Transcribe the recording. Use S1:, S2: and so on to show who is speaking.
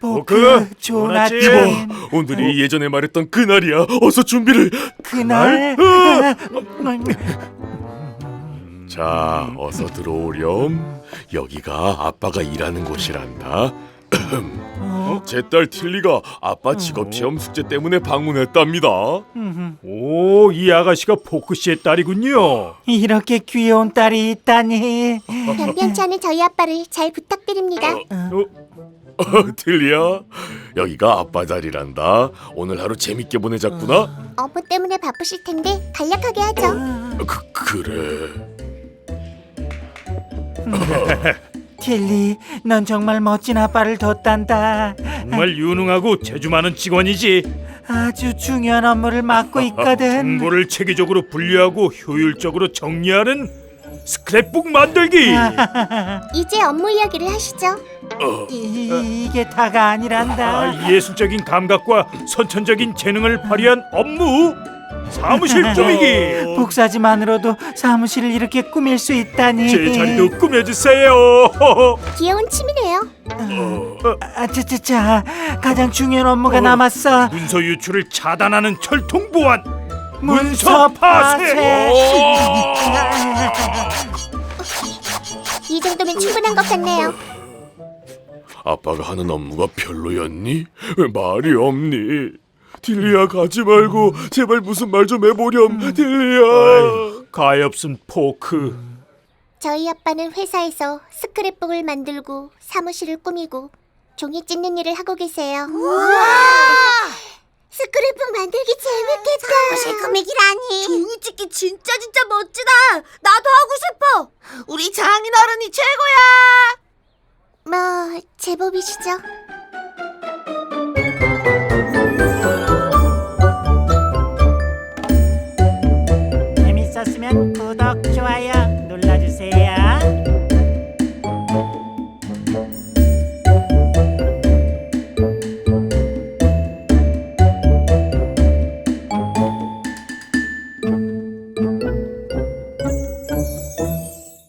S1: 포크, 좋은 아침.
S2: 오늘이 예전에 말했던 그날이야. 어서 준비를.
S1: 그날?
S2: 자, 어서 들어오렴. 여기가 아빠가 일하는 곳이란다. 제 딸 틸리가 아빠 직업체험 숙제 때문에 방문했답니다.
S3: 오, 이 아가씨가 포크 씨의 딸이군요.
S1: 이렇게 귀여운 딸이 있다니.
S4: 변변치 않은 저희 아빠를 잘 부탁드립니다.
S2: 틸리야, 여기가 아빠 자리란다. 오늘 하루 재밌게 보내자꾸나.
S4: 업무 때문에 바쁘실 텐데 간략하게 하죠.
S2: 그래.
S1: 틸리, 넌 정말 멋진 아빠를 뒀단다.
S3: 정말 유능하고 재주 많은 직원이지.
S1: 아주 중요한 업무를 맡고 있거든.
S3: 정보를 체계적으로 분류하고 효율적으로 정리하는 스크랩북 만들기.
S4: 이제 업무 이야기를 하시죠.
S1: 이게 다가 아니란다.
S3: 예술적인 감각과 선천적인 재능을 발휘한 업무. 사무실 꾸미기.
S1: 복사지만으로도 사무실을 이렇게 꾸밀 수 있다니.
S3: 제 자리도 꾸며주세요.
S4: 귀여운 취미네요.
S1: 자, 가장 중요한 업무가 남았어.
S3: 문서 유출을 차단하는 철통 보안.
S1: 문서 파쇄.
S4: 이 정도면 충분한 것 같네요.
S2: 아빠가 하는 업무가 별로였니? 왜 말이 없니? 틸리야, 가지 말고 제발 무슨 말 좀 해보렴. 틸리야.
S3: 가엾은 포크.
S4: 저희 아빠는 회사에서 스크랩북을 만들고 사무실을 꾸미고 종이 찢는 일을 하고 계세요. 스크랩북 만들기 재밌겠다. 사무실 꾸미기라니.
S5: 종이 찍기 진짜 멋지다. 나도 하고 싶어. 우리 장인어른이 최고야.
S4: 뭐 제법이시죠.